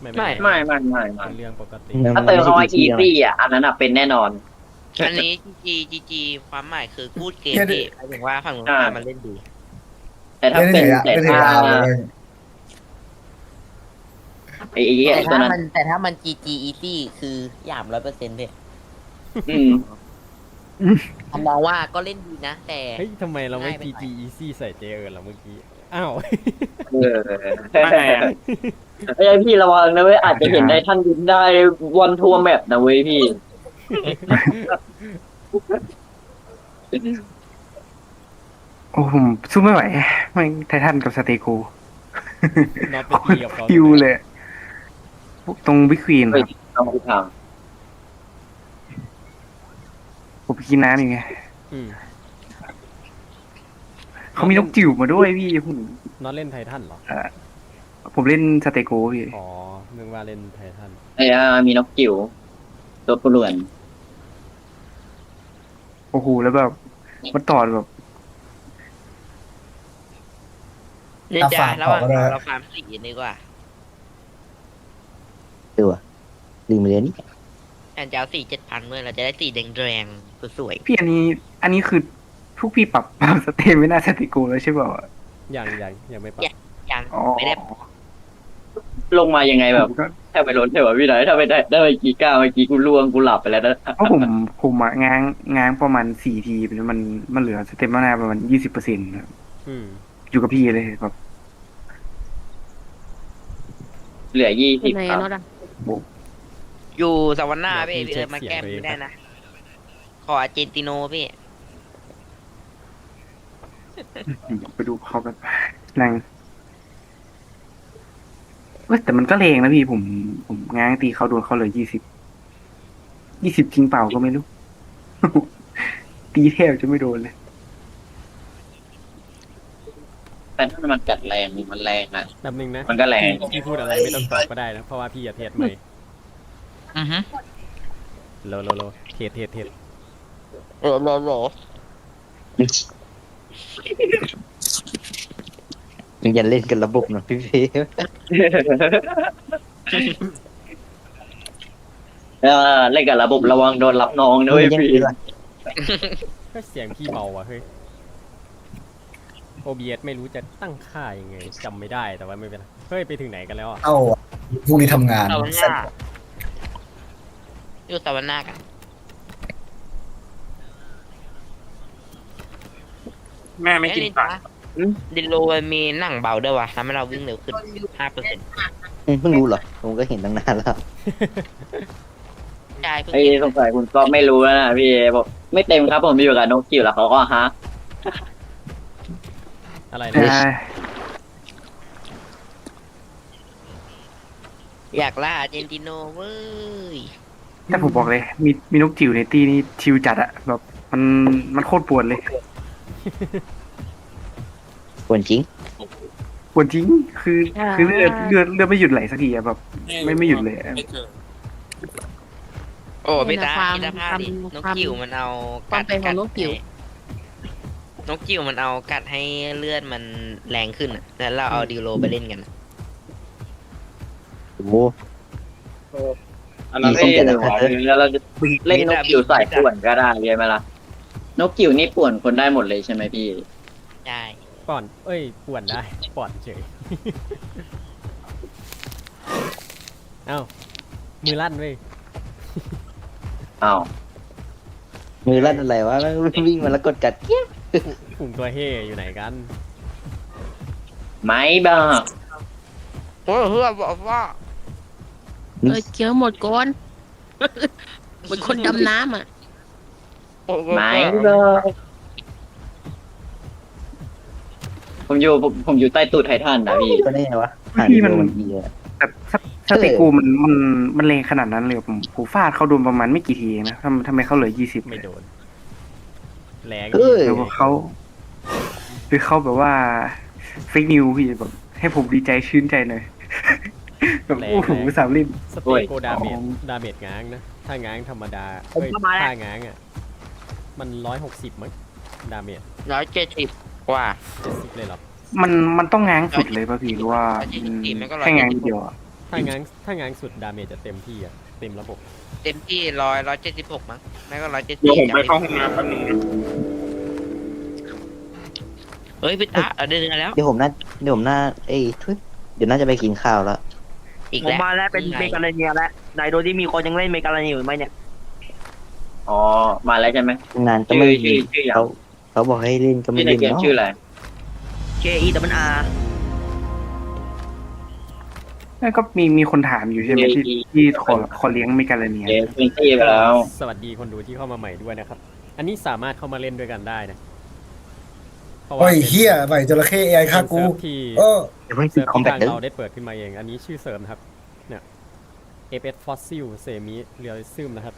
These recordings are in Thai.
ไม่เป็นเรื่องปกติถ้าเติมคำว่า easy อ่ะอันนั้นเป็นแน่นอนอันนี้จีความหมายคือพูดเกมพี่หมายถึงว่าฝั่งนู้นพามาเล่นดีแต่ถ้าเป็นแต่ถ้าไอ้ตัวนั้นแต่ถ้ามัน GG easy คือหยาม100%พี่อืมผมมองว่าก็เล่นดีนะ แต่เฮ้ยทำไมเราไม่ GG Easy ใส่เจเอิร์นล่ะเมื่อกี้อ้าวเออไอ้พี่ระวังนะเว้ยอาจจะเห็นได้ท่านยินได้วันทัวร์แมปนะเว้ยพี่โอ้ผมสู้ไม่ไหวไม่ไททันกับสเตโกน็อตไปตีกับเขาฟิวเลยตรงบิ๊กควีนคเฮ้ยรับเอาไปทางผมไปกินน้ำอยู่ไงอืมเขามีนกจิ๋วมาด้วยพี่ผมน็อตเล่นไททันเหรอผมเล่นสเตโกพี่อ๋อนึกว่าเล่นไททันไอ้มีนกจิ๋วตัวปลวนโอ้โหแล้วแบบมันต่อแบบเนี่ยจะระหว่างเราฟาร์มสีดีกว่าลืมไปเลยนี่แอนจะเอา4,700ด้วยเราจะได้สีแดงๆสวยพี่อันนี้คือพวกพี่ปรับสเตไม่น่าสเตโกแล้วใช่เปล่ายังไม่ปรับๆยังอ๋อไม่ได้ลงมายังไงแบบผมก็แทบไปล้นเทวะพี่ไหนถ้าไม่ได้ไปกี่ก้าวเมื่อกี้กูล่วงกูหลับไปแล้วนะเพราะผมอะง้างประมาณ4 ทีแล้วมันเหลือสเตมนาประมาณ20%ครับอืมอยู่กับพี่เลยแบบเหลือ20 ไหนครับน็อตอ่ะอยู่สวรรค์หน้าพี่มาแก้มไม่ได้นะ ขออาร์เจนติโนพี่ไปดูเขาแบบนั่งเว้ยแต่มันก็แรงนะพี่ผมง้างตีเขาโดนเขาเลย20จริงเปล่าก็ไม่รู้ ตีแทบจะไม่โดนเลยแต่ถ้ามันกัดแรงมันแรงอ่ะแป๊บนึงนะมันก็แรงพี่พูดอะไรไม่ต้องตอบก็ได้นะ เพราะว่าพี่อย่าเทสใหม่อือฮึโลเทสโหลอย่าเล่นกันระบบนะพี่เพเล่นกับระบบระวังโดนรับน้องนะเว้ยพี่ก็เสียงพี่เบาว่ะเฮ้ย OBS ไม่รู้จะตั้งค่ายังไงจำไม่ได้แต่ว่าไม่เป็นไรเฮ้ยไปถึงไหนกันแล้วอ่ะเอ้าพรุ่งนี้ทำงานสวรรค์หน้าอยู่สวรรค์หน้ากันแม่ไม่กินปลาดินโลมันมีหนังเบาด้วยวะทำให้เราวิ่งเร็วขึ้น 5% เพิ่งรู้เหรอผมก็เห็นตั้งนานแล้วใช่เพิ่งไอ้เห็นสงสัยคุณก็ไม่รู้แล้วนะพี่บอกไม่เต็มครับผมมีอยู่กับนกจิ๋วแล้วเขาก็ฮะอะไรใช่นะอยากล่าอาร์เจนติโนเว้ยแต่ผมบอกเลย มีนกจิ๋วในตีนี่ชิวจัดอะแบบมันโคตรปวดเลยควรจริงปวดจริงคือเลือดไม่หยุดไหลสักทีอะแบบไม่หยุดเลยอะโอ้พี่ตาพี่ตาพลาดดินกจิ๋วมันเอาความเป็นของนกจิ๋วนกจิ๋วมันเอากัดให้เลือดมันแรงขึ้นอ่ะแล้วเราเอาดิโลไปเล่นกันโอ้โหอันนั้นเอ้ยแล้วเราจะเล่นนกจิ๋วใส่ป่วนก็ได้ใช่ไหมล่ะนกจิ๋วนี่ป่วนคนได้หมดเลยใช่ไหมพี่ใช่ป่อนป่วนได้ป่อนเฉย เอ้ามือลั่นเว้ยอ้าวมือลั่นอะไรวะวิ่งมาแล้วกดกัดเกี้ยกลุ่มตัวเฮ่อยู่ไหนกันไม่บ้าโอ้ยเฮือบอกว่าเคี้ยวหมดก่อนเหมือนคนดำน้ำอ่ะไม่บ้าผมอยู่ใต้ตูดไททันนะพี่ก็ได้ไงวะพี่มันมันดีอะแต่สเตโกมันแรงขนาดนั้นเลยผมฟาดเขาโดนประมาณไม่กี่ทีเองนะทำไมเขาเหลือ20 ไม่โดนแรงเอ้ยหรือว่าเขาแบบว่าเฟกนิวพี่แบบให้ผมดีใจชื่นใจหน่อย แบบโอ้โหสามลิ่มสเตโกดาเมจง้างนะ ถ้าง้างธรรมดาถ้าง้างอ่ะมัน160มั้งดาเมจ 170 กว่า 70เลยหรอมันต้องง้างสุดเลยป่ะพี่หรือว่ามันก็แค่ง้างนิดเดียวอะถ้าง้างสุดดาเมจจะเต็มที่อะเต็มระบบเต็มที่176มั้งไม่ก็170 เดี๋ยวผมไปเข้าห้องน้ำแป๊บนึงนะเฮ้ยพี่ตาเดินแล้วเดี๋ยวผมน่าเอ้ยทุยเดี๋ยวน่าจะไปกินข้าวแล้วอีกผมแล้วมาแล้วเป็นเมกาเลเนียแล้วไหนโดยที่มีคนยังเล่นเมกาเลเนียอยู่ไหมเนี่ยอ๋อมาแล้วใช่ไหมนานก็ไม่ชื่ออย่างเขาบอกให้เล่นก็ไม่ที่ในเล่นเกมเนาะชื่ออะไร KEWR นั่นก็มีคนถามอยู่ใช่ไหมที่ขอเลี้ยงเมกาเลเนียเกมเป็นที่ไปแล้วสวัสดีคนดูที่เข้ามาใหม่ด้วยนะครับ อันนี้สามารถเข้ามาเล่นด้วยกันได้นะเพราะว่าโอ้ยเฮียใหม่จระเข้ AI ฆ่ากูเป็นเซิร์ฟที่เออเดี๋ยวเพิ่งติเซิดร์ฟคอมที่แบททางเด้อเราได้เปิดขึ้นมาเอง อันนี้ชื่อเสริมนะครับ เนี่ย FS Fossil Semi Realism นะครับ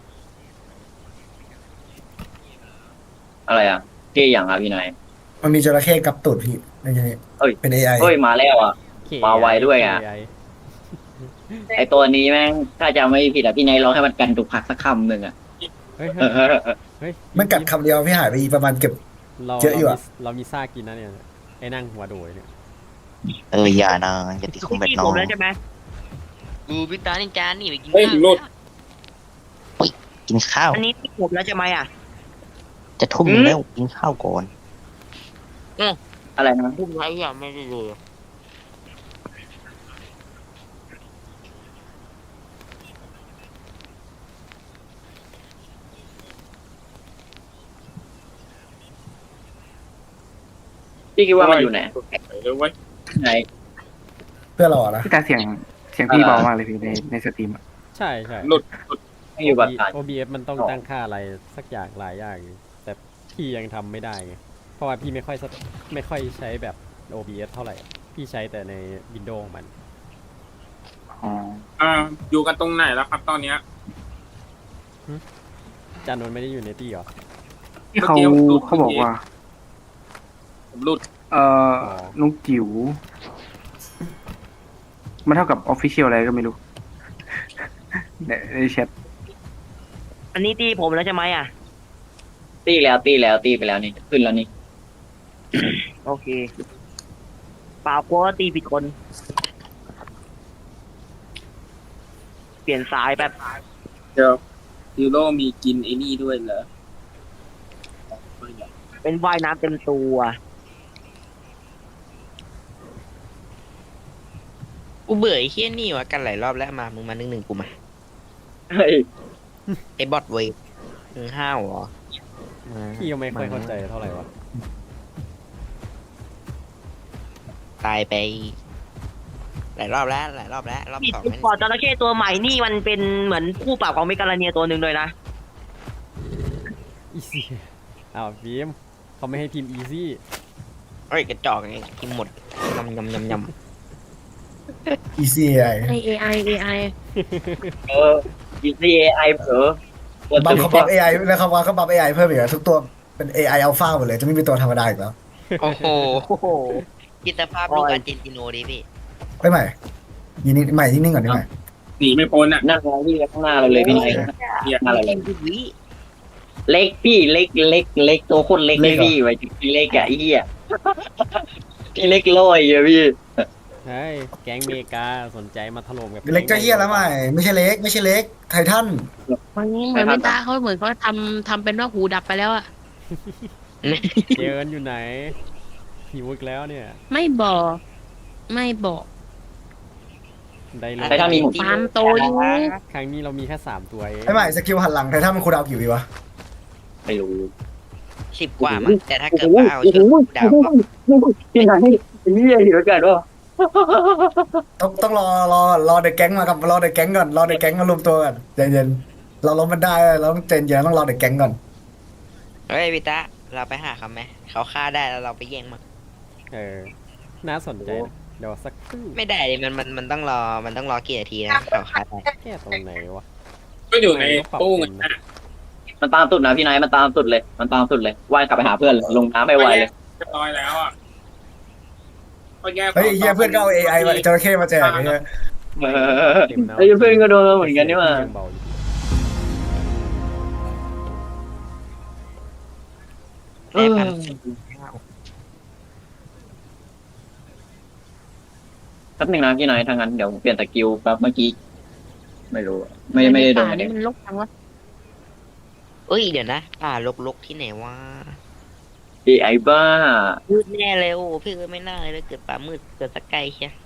อะไรอ่ะชื่ออย่างอ่ะพี่นายมันมีจระเข้กับตูดพี่ในนี้เอ้ยเป็น AI เฮ้ยมาแล้วอ่ะ KAI มาไวด้วยอะ KAI ไอตัวนี้แม่งถ้าจะไม่ผิดอ่ะพี่นายร้องให้มันกันตุกผักสักคำหนึ่งอ่ะเฮ้ยเออเฮ้ยมันกัดคำเดียวพี่หายไปอีกประมาณเก็บเราเยอะอยู่อะเรามีซ่ากินนะเนี่ย ไอ้นั่งหัวโดยเนี่ยอย่านะอย่าติดคอมแบทที่น้ผอมงแล้วใช่ไหมดูพี่ตานี่จานนี่ไปกินเฮ้ยข้าวหลุดกินข้าวอันนี้ที่ผมแล้วใช่ไหมอ่ะจะทุ่มแล้วกินข้าวก่อนอะไรนะพูดไว้ยังไม่ได้ดูพี่คิดว่ามันอยู่ไหนเดี๋ยวไว้ไหนเพื่อเราอะนะพี่ตาเสียงพี่เบามากเลยพี่ในสตรีมอะใช่ใช่หลุดไม่อยู่บัตรฐาน OBS มันต้องตั้งค่าอะไรสักอย่างหลายอย่างอยู่แต่พี่ยังทำไม่ได้ไง เพราะว่าพี่ไม่ค่อยใช้แบบ OBS เท่าไหร่ พี่ใช้แต่ใน Windows ของมันอ๋ออยู่กันตรงไหนแล้วครับตอนเนี้ยจานนท์ไม่ได้อยู่ในตี้เหรอที่เขาบอกว่าผมหลุดลุงจิ๋วมันเท่ากับออฟฟิเชียลอะไรก็ไม่รู้ในแชทอันนี้ที่ผมแล้วใช่ไหมอ่ะตีไปแล้วนี่ขึ้นแล้วนี่โอเคเปล่ากลัวว่าตีผิดคน เปลี่ยนสายแบบเดี๋ยวยูโรมีกินไอ้นี่ด้วยเหรอเป็นว่ายน้ำเต็มตัวกูเบื่อไอ้เฮี้ยนี่วะกันหลายรอบแล้วมามึงมาหนึ่งกูมาเฮ้ยไอ้บอทเวฟมึงห้าวเหรอพี่ก็ไม่ค่อยเข้าใจเท่าไหร่วะตายไปหลายรอบแล้วรอบผิดสองจุดนั่นปอดจระเข้ตัวใหม่นี่มันเป็นเหมือนคู่ปรับของเมกาเลเนียตัวหนึ่งเลยนะอีซี่อ้าวฟิล์มเขาไม่ให้พิมพ์ easy เอ้ยกระจอกไงกินหมดยำ Easy AI AI เออ GCAI เผลอบัฟเขาบัฟ AI แล้วเขาว่าเขาบัฟ AI เพิ่มอีกอะทุกตัวเป็น AI Alpha หมดเลยจะไม่มีตัวธรรมดาอีกแล้วโอ้โหโอ้โหกิตภาพลูกอาร์เจนติโนดิพี่ไม่ใหม่ยินดีใหม่นิ่งๆก่อนได้ไหมหนีไม่พ้นอ่ะนั่งมองพี่ข้างหน้าเราเลยพี่นายข้างหน้าเราเลยวิเล็กพี่เล็กตัวโคตรเล็กเลยพี่ไว้พี่เล็กอะไอ้เหี้ยพี่เล็กลอยอะพี่ใช่แก๊งเมกาสนใจมาถล่มกับเล็กก็เฮียแล้วใหม่ไม่ใช่เล็กไททันวันนี้เหมือนไม่ตาเขาเหมือนเขาทำเป็นว่าหูดับไปแล้วอะเจอกันอยู่ไหนหิวอีกแล้วเนี่ยไม่บอกได้เลไททันมียหูฟาร์มโตอยู่ครั้งนี้เรามีแค่3ตัวเองไอ้ใหม่สกิลหันหลังไททันมันคูลดาวน์กี่วิวะไม่รู้ 10 กว่ามั้งแต่ถ้าเกิดว่าเอาชุดดาวก็พี่นายพี่เห็นกันว่าต้องรอเด็กแก๊งมากับรอเด็กแก๊งก่อนรอเด็กแก๊งมารวมตัวกันใจเย็นเราล้มมันได้เราต้องใจเย็นต้องรอเด็กแก๊งก่อนเฮ้ยพี่ตาเราไปหาเขาไหมเขาฆ่าได้แล้วเราไปแย่งมันน่าสนใจนะเดี๋ยวสักครู่ไม่ได้ดิมันต้องรอกี่นาทีนะเขาฆ่าได้แค่ตรงไหนวะก็อยู่ในตู้เงินนะมันตามสุดนะพี่นายมันตามสุดเลยว่ายกลับไปหาเพื่อนลงน้ำไม่ไหวเลยเรียบร้อยแล้วอ่ะก็แยกเฮ้ยเฮียเพื่อนก็เอา AI มาจระเข้มาแจกไอ้เฮียเต็มแล้วไอ้เพื่อนก็โดนเหมือนกันนี่หว่ายังเบาอยู่ได้พันแป๊บหนึงนะพี่นายทางนั้นเดี๋ยวผมเปลี่ยนสกิลแป๊บเมื่อกี้ไม่รู้อะไม่ได้โดนในป่าอะไรนี่มันรกจังวะเอ้ยเดี๋ยวนะป่าลกๆที่ไหนวะไอ้บ้ามืดแน่เลยโอ้พี่เอ้ยไม่น่าเลยเกิดป่ามืดเกิดสักไกลเชีย